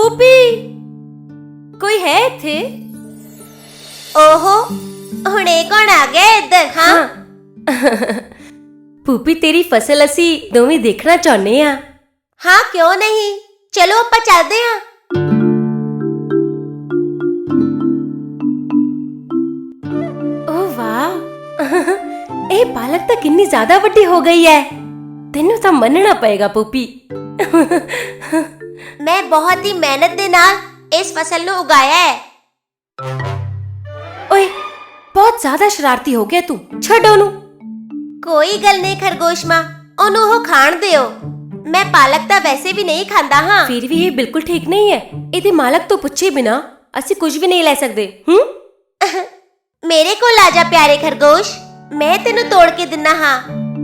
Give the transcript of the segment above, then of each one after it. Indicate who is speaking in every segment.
Speaker 1: ਪੂਪੀ ਕੋਈ ਹੈ ਇੱਥੇ?
Speaker 2: ओहो हुणे कौन आ गया इधर? हाँ
Speaker 1: ਪੂਪੀ ਤੇਰੀ ਫਸਲ ਅਸੀਂ ਦੋਵੇਂ ਦੇਖਣਾ ਚਾਹੁੰਦੇ ਆ।
Speaker 2: हाँ क्यों नहीं, चलो ਆਪਾਂ ਚੱਲਦੇ ਹਾਂ।
Speaker 1: ਓ ਵਾਹ, ਇਹ ਪਾਲਕ ਤਾਂ ਕਿੰਨੀ ਜ਼ਿਆਦਾ ਵੱਡੀ ਹੋ ਗਈ ਹੈ। ਤੈਨੂੰ ਤਾਂ ਮੰਨਣਾ ਪਏਗਾ ਪੂਪੀ।
Speaker 2: मैं बहुत ही मेहनत ਦੇ ਨਾਲ ਇਸ ਫਸਲ ਨੂੰ ਉਗਾਇਆ ਹੈ।
Speaker 1: ਓਏ ਬਹੁਤ ਜ਼ਿਆਦਾ ਸ਼ਰਾਰਤੀ ਹੋ ਗਿਆ ਤੂੰ, ਛੱਡ ਉਹਨੂੰ।
Speaker 2: ਕੋਈ ਗੱਲ ਨਹੀਂ ਖਰਗੋਸ਼ ਮਾਂ, ਉਹਨੂੰ ਉਹ ਖਾਣ ਦਿਓ। ਮੈਂ ਪਾਲਕ ਤਾਂ ਵੈਸੇ ਵੀ ਨਹੀਂ ਖਾਂਦਾ ਹਾਂ।
Speaker 1: ਫਿਰ ਵੀ ਇਹ ਬਿਲਕੁਲ ਠੀਕ ਨਹੀਂ ਹੈ। ਇਹਦੇ ਮਾਲਕ ਤੋਂ ਪੁੱਛੇ ਬਿਨਾ ਅਸੀਂ ਕੁਝ ਵੀ ਨਹੀਂ ਲੈ ਸਕਦੇ।
Speaker 2: ਮੇਰੇ ਕੋਲ ਆ ਜਾ ਪਿਆਰੇ ਖਰਗੋਸ਼, ਮੈਂ ਤੈਨੂੰ ਤੋੜ ਕੇ ਦਿੰਨਾ ਹਾਂ।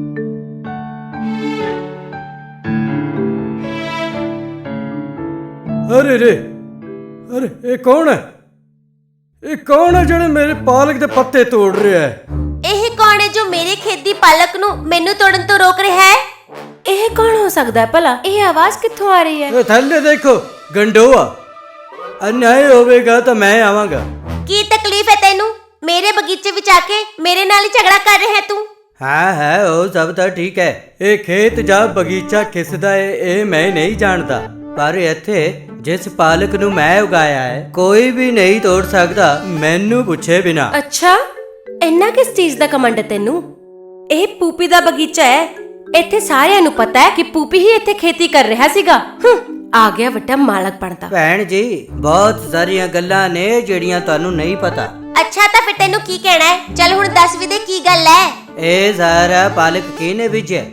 Speaker 3: अरे रे, अरे ये कौन है? ये कौन है ਜਿਹੜੇ ਮੇਰੇ ਪਾਲਕ ਦੇ ਪੱਤੇ ਤੋੜ ਰਿਹਾ ਹੈ?
Speaker 2: ਇਹ ਕੌਣ ਹੈ ਜੋ ਮੇਰੇ ਖੇਤ ਦੀ ਪਾਲਕ ਨੂੰ ਮੈਨੂੰ ਤੋੜਨ ਤੋਂ ਰੋਕ ਰਿਹਾ ਹੈ?
Speaker 1: ਇਹ ਕੌਣ ਹੋ ਸਕਦਾ ਹੈ ਭਲਾ? ਇਹ ਆਵਾਜ਼ ਕਿੱਥੋਂ ਆ ਰਹੀ ਹੈ?
Speaker 3: ਇਹ ਥੱਲੇ ਦੇਖੋ, ਗੰਡੋਆ। ਅਨਿਆਏ ਹੋਵੇਗਾ ਤਾਂ ਮੈਂ ਆਵਾਂਗਾ।
Speaker 2: ਕੀ ਤਕਲੀਫ ਹੈ ਤੈਨੂੰ? ਮੇਰੇ ਬਗੀਚੇ ਵਿੱਚ ਆ ਕੇ ਮੇਰੇ ਨਾਲ ਹੀ ਝਗੜਾ ਕਰ ਰਿਹਾ ਹੈ ਤੂੰ।
Speaker 3: ਹਾਂ ਉਹ ਸਭ ਤਾਂ ਠੀਕ ਹੈ। ਇਹ ਖੇਤ ਜਾਂ ਬਗੀਚਾ ਕਿਸਦਾ ਹੈ ਇਹ ਮੈਂ ਨਹੀਂ ਜਾਣਦਾ, ਪਰ ਇੱਥੇ ਜਿਸ ਪਾਲਕ ਨੂੰ ਮੈਂ ਉਗਾਇਆ ਹੈ ਕੋਈ ਵੀ ਨਹੀਂ ਤੋੜ ਸਕਦਾ ਮੈਨੂੰ ਪੁੱਛੇ ਬਿਨਾ।
Speaker 1: ਅੱਛਾ, ਇੰਨਾ ਕਿਸ ਚੀਜ਼ ਦਾ ਕਮੰਡ ਹੈ ਤੈਨੂੰ? ਇਹ ਪੂਪੀ ਦਾ ਬਗੀਚਾ ਹੈ। ਇੱਥੇ ਸਾਰਿਆਂ ਨੂੰ ਪਤਾ ਹੈ ਕਿ ਪੂਪੀ ਹੀ ਇੱਥੇ ਖੇਤੀ ਕਰ ਰਿਹਾ ਸੀਗਾ। ਆ ਗਿਆ ਵੱਡਾ ਮਾਲਕ ਬਣਦਾ।
Speaker 3: ਭੈਣ ਜੀ, ਬਹੁਤ ਸਾਰੀਆਂ ਗੱਲਾਂ ਨੇ ਜਿਹੜੀਆਂ ਤੁਹਾਨੂੰ ਨਹੀਂ ਪਤਾ।
Speaker 2: ਅੱਛਾ ਤਾਂ ਫਿਰ ਤੈਨੂੰ ਕੀ ਕਹਿਣਾ ਹੈ? ਚੱਲ ਹੁਣ ਦੱਸ ਵੀ ਦੇ ਕੀ ਗੱਲ ਹੈ।
Speaker 3: ਇਹ ਸਾਰਾ ਪਾਲਕ ਕਿਹਨੇ ਬੀਜਿਆ?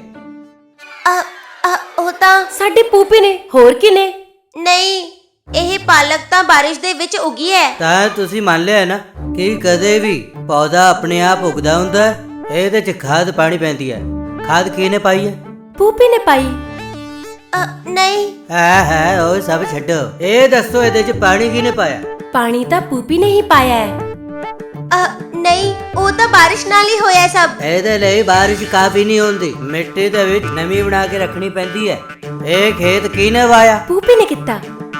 Speaker 2: ਉਹ ਤਾਂ
Speaker 1: ਸਾਡੀ ਪੂਪੀ ਨੇ, ਹੋਰ ਕਿਨੇ?
Speaker 2: ਨਹੀਂ, ਇਹ ਪਾਲਕ ਤਾਂ ਬਾਰਿਸ਼ ਦੇ ਵਿੱਚ ਉਗੀ ਹੈ।
Speaker 3: ਤਾਂ ਤੁਸੀਂ ਮੰਨ ਲਿਆ ਨਾ ਕਿ ਕਦੇ ਵੀ ਪੌਦਾ ਆਪਣੇ ਆਪ ਉਗਦਾ ਹੁੰਦਾ ਹੈ। ਇਹਦੇ 'ਚ ਖਾਦ ਪਾਣੀ ਪੈਂਦੀ ਹੈ। ਖਾਦ ਕਿਹਨੇ ਪਾਈ ਹੈ?
Speaker 1: ਪੂਪੀ ਨੇ ਪਾਈ।
Speaker 2: ਨਹੀਂ
Speaker 3: ਹੈ ਉਹ ਸਭ ਛੱਡੋ, ਇਹ ਦੱਸੋ ਇਹਦੇ 'ਚ ਪਾਣੀ ਕਿਹਨੇ ਪਾਇਆ?
Speaker 1: ਪਾਣੀ ਤਾਂ ਪੂਪੀ ਨੇ ਹੀ ਪਾਇਆ ਹੈ।
Speaker 2: ਨਹੀਂ, ਉਹ ਤਾਂ ਬਾਰਿਸ਼ ਨਾਲ ਹੀ ਹੋਇਆ ਸਭ।
Speaker 3: ਇਹਦੇ ਲਈ ਬਾਰਿਸ਼ ਕਾਫੀ ਨਹੀਂ ਹੁੰਦੀ, ਮਿੱਟੀ ਦੇ ਵਿੱਚ ਨਮੀ ਬਣਾ ਕੇ ਰੱਖਣੀ ਪੈਂਦੀ ਹੈ। ਇਹ ਖੇਤ ਕਿਹਨੇ ਵਾਇਆ?
Speaker 1: ਪੂਪੀ ਨੇ ਕੀਤਾ।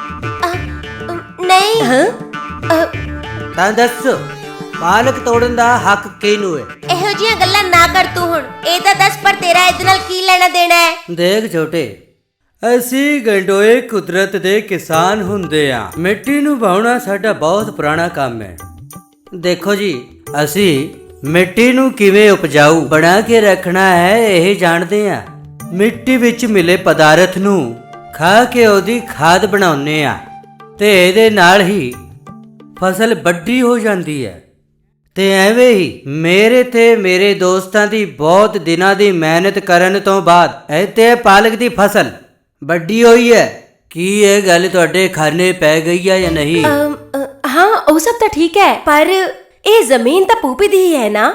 Speaker 2: ਨਹੀਂ
Speaker 3: ਤਾਂ ਦੱਸੋ, ਪਾਲਕ ਤੋੜਨ ਦਾ ਹੱਕ ਕਿਹਨੂੰ ਹੈ?
Speaker 2: ਇਹੋ ਜਿਹੀਆਂ ਗੱਲਾਂ ਨਾ ਕਰ ਤੂੰ ਹੁਣ। ਇਹ ਤਾਂ ਦੱਸ ਪਰ ਤੇਰਾ ਇਹਦੇ ਨਾਲ ਕੀ ਲੈਣਾ ਦੇਣਾ ਹੈ?
Speaker 3: ਦੇਖ ਛੋਟੇ, ਅਸੀਂ ਗੰਡੋਏ ਕੁਦਰਤ ਦੇ ਕਿਸਾਨ ਹੁੰਦੇ ਆ। ਮਿੱਟੀ ਨੂੰ ਵਾਹੁਣਾ ਸਾਡਾ ਬਹੁਤ ਪੁਰਾਣਾ ਕੰਮ ਹੈ। ਦੇਖੋ ਜੀ, ਅਸੀਂ ਮਿੱਟੀ ਨੂੰ ਕਿਵੇਂ ਉਪਜਾਊ ਬਣਾ ਕੇ ਰੱਖਣਾ ਹੈ ਇਹ ਜਾਣਦੇ ਆ। ਮਿੱਟੀ ਵਿੱਚ ਮਿਲੇ ਪਦਾਰਥ ਨੂੰ ਖਾ ਕੇ ਉਹਦੀ ਖਾਦ ਬਣਾਉਂਦੇ ਆ ਤੇ ਇਹਦੇ ਨਾਲ ਹੀ ਫਸਲ ਵੱਡੀ ਹੋ ਜਾਂਦੀ ਹੈ। ਤੇ ਐਵੇਂ ਹੀ ਮੇਰੇ ਤੇ ਮੇਰੇ ਦੋਸਤਾਂ ਦੀ ਬਹੁਤ ਦਿਨਾਂ ਦੀ ਮਿਹਨਤ ਕਰਨ ਤੋਂ ਬਾਅਦ ਇੱਥੇ ਪਾਲਕ ਦੀ ਫਸਲ ਵੱਡੀ ਹੋਈ ਹੈ। ਕੀ ਇਹ ਗੱਲ ਤੁਹਾਡੇ ਖਾਨੇ ਪੈ ਗਈ ਹੈ ਜਾਂ ਨਹੀਂ?
Speaker 1: ਹਾਂ, ਉਹ ਸਭ ਤਾਂ ਠੀਕ ਹੈ, ਪਰ ਇਹ ਜ਼ਮੀਨ ਤਾਂ ਪੂਪੀ ਦੀ ਹੀ ਹੈ ਨਾ।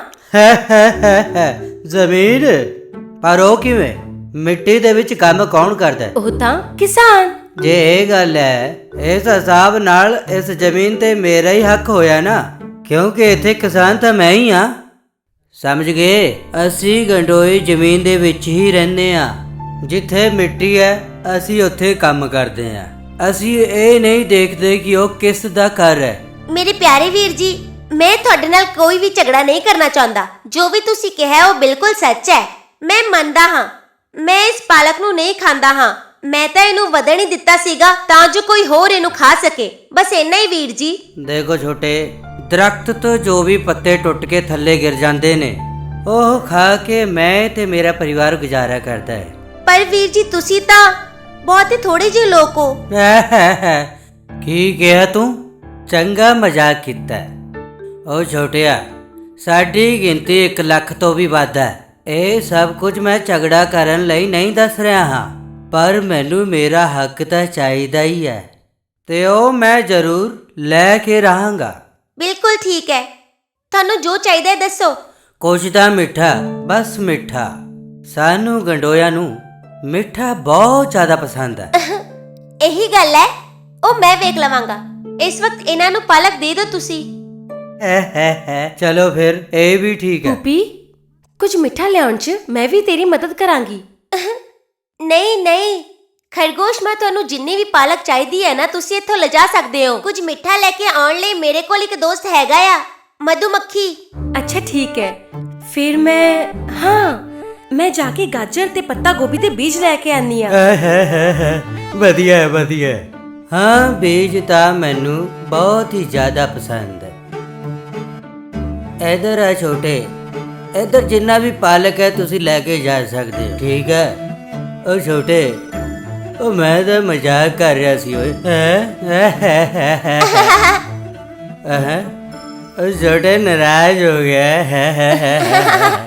Speaker 3: ਜ਼ਮੀਨ? ਪਰ ਉਹ ਕਿਵੇਂ? ਮਿੱਟੀ ਦੇ ਵਿੱਚ ਕੰਮ ਕੌਣ ਕਰਦਾ?
Speaker 1: ਉਹ ਤਾਂ ਕਿਸਾਨ।
Speaker 3: ਜੇ ਇਹ ਗੱਲ ਹੈ, ਇਸ ਹਿਸਾਬ ਨਾਲ ਇਸ ਜ਼ਮੀਨ ਤੇ ਮੇਰਾ ਹੀ ਹੱਕ ਹੋਇਆ ਨਾ, ਕਿਉਂਕਿ ਇੱਥੇ ਕਿਸਾਨ ਤਾਂ ਮੈਂ ਹੀ ਆ। ਸਮਝ ਗਏ? ਅਸੀਂ ਗੰਡੋਈ ਜ਼ਮੀਨ ਦੇ ਵਿੱਚ ਹੀ ਰਹਿੰਦੇ ਆ। ਜਿੱਥੇ ਮਿੱਟੀ ਹੈ ਅਸੀਂ ਉੱਥੇ ਕੰਮ ਕਰਦੇ ਆ। ਅਸੀਂ ਇਹ ਨਹੀਂ ਦੇਖਦੇ ਕਿ ਉਹ ਕਿਸ ਦਾ ਘਰ ਹੈ।
Speaker 2: ਮੇਰੇ ਪਿਆਰੇ ਵੀਰ ਜੀ, ਮੈਂ ਤੁਹਾਡੇ ਨਾਲ ਕੋਈ ਵੀ ਝਗੜਾ ਨਹੀਂ ਕਰਨਾ ਚਾਹੁੰਦਾ। ਜੋ ਵੀ ਤੁਸੀਂ ਕਿਹਾ ਉਹ ਬਿਲਕੁਲ ਸੱਚ ਹੈ। ਮੈਂ ਮੰਨਦਾ ਹਾਂ, ਮੈਂ ਇਸ ਪਾਲਕ ਨੂੰ ਨਹੀਂ ਖਾਂਦਾ ਹਾਂ। ਮੈਂ ਤਾਂ ਇਹਨੂੰ ਵਧਣ ਹੀ ਦਿੱਤਾ ਸੀਗਾ ਤਾਂ ਜੋ ਕੋਈ ਹੋਰ ਇਹਨੂੰ ਖਾ ਸਕੇ। ਬਸ ਇੰਨਾ ਹੀ ਵੀਰ ਜੀ।
Speaker 3: ਦੇਖੋ ਛੋਟੇ, ਦਰਖਤ ਤੋਂ ਜੋ ਵੀ ਪੱਤੇ ਟੁੱਟ ਕੇ ਥੱਲੇ ਗਿਰ ਜਾਂਦੇ ਨੇ ਉਹ ਖਾ ਕੇ ਮੈਂ ਤੇ ਮੇਰਾ ਪਰਿਵਾਰ ਗੁਜ਼ਾਰਾ ਕਰਦਾ ਹੈ।
Speaker 2: ਪਰ ਵੀਰ ਜੀ, ਤੁਸੀਂ ਤਾਂ ਬਹੁਤ ਹੀ ਥੋੜੇ ਜਿਹੇ ਲੋਕ ਹੋ।
Speaker 3: ਕੀ ਕਿਹਾ ਤੂੰ? ਚੰਗਾ ਮਜ਼ਾਕ ਕੀਤਾ। ਉਹ ਛੋਟਿਆ, ਸਾਡੀ ਗਿਣਤੀ 1 ਲੱਖ ਤੋਂ ਵੀ ਵੱਧ ਹੈ। ਇਹ ਸਭ ਕੁਝ ਮੈਂ ਝਗੜਾ ਕਰਨ ਲਈ ਨਹੀਂ ਦੱਸ ਰਿਹਾ ਹਾਂ, ਪਰ ਮੈਨੂੰ ਮੇਰਾ ਹੱਕ ਤਾਂ ਚਾਹੀਦਾ ਹੀ ਹੈ ਤੇ ਉਹ ਮੈਂ ਜ਼ਰੂਰ ਲੈ ਕੇ ਰਹਾਂਗਾ।
Speaker 2: ਬਿਲਕੁਲ ਠੀਕ ਹੈ, ਤੁਹਾਨੂੰ ਜੋ ਚਾਹੀਦਾ ਹੈ ਦੱਸੋ।
Speaker 3: ਕੁਝ ਤਾਂ ਮਿੱਠਾ, ਬਸ ਮਿੱਠਾ। ਸਾਨੂੰ ਗੰਡੋਇਆ ਨੂੰ ਮਿੱਠਾ ਬਹੁਤ ਜ਼ਿਆਦਾ ਪਸੰਦ ਹੈ।
Speaker 2: ਇਹੀ ਗੱਲ ਹੈ, ਉਹ ਮੈਂ ਵੇਖ ਲਵਾਂਗਾ। ਇਸ ਵਕਤ ਇਹਨਾਂ ਨੂੰ ਪਾਲਕ ਦੇ ਦਿਓ ਤੁਸੀਂ।
Speaker 3: ਚਲੋ ਫਿਰ, ਇਹ ਵੀ ਠੀਕ ਹੈ।
Speaker 1: ਪੂਪੀ, ਕੁਝ ਮਿੱਠਾ ਲਿਆਉਣ 'ਚ ਮੈਂ ਵੀ ਤੇਰੀ ਮਦਦ ਕਰਾਂਗੀ।
Speaker 2: ਨਹੀਂ ਨਹੀਂ, ਖਰਗੋਸ਼, ਮੈਂ ਤੁਹਾਨੂੰ ਜਿੰਨੀ ਵੀ ਪਾਲਕ ਚਾਹੀਦੀ ਹੈ ਨਾ, ਤੁਸੀਂ ਇੱਥੋਂ ਲਿਜਾ ਸਕਦੇ ਹੋ। ਕੁਝ ਮਿੱਠਾ ਲੈ ਕੇ ਆਉਣ ਲਈ ਮੇਰੇ ਕੋਲ ਇੱਕ ਦੋਸਤ ਹੈਗਾ ਆ, ਮਧੂਮੱਖੀ।
Speaker 1: ਅੱਛਾ ਠੀਕ ਹੈ, ਫਿਰ ਮੈਂ ਜਾ ਕੇ ਗਾਜਰ ਤੇ ਪੱਤਾ ਗੋਭੀ ਦੇ ਬੀਜ ਲੈ ਕੇ ਆਨੀ ਆ।
Speaker 3: ਵਧੀਆ ਹੈ, ਵਧੀਆ ਹੈ। ਹਾਂ, ਬੀਜ ਤਾਂ ਮੈਨੂੰ ਬਹੁਤ ਹੀ ਜ਼ਿਆਦਾ ਪਸੰਦ ਹੈ। ਇਧਰ ਆ ਛੋਟੇ, ਇਧਰ ਜਿੰਨਾ ਵੀ ਪਾਲਕ ਹੈ ਤੁਸੀਂ ਲੈ ਕੇ ਜਾ ਸਕਦੇ ਹੋ, ਠੀਕ ਹੈ। ਉਹ ਛੋਟੇ, ਉਹ ਮੈਂ ਤਾਂ ਮਜ਼ਾਕ ਕਰ ਰਿਹਾ ਸੀ ਓਏ। ਉਹ ਛੋਟੇ ਨਾਰਾਜ਼ ਹੋ ਗਿਆ।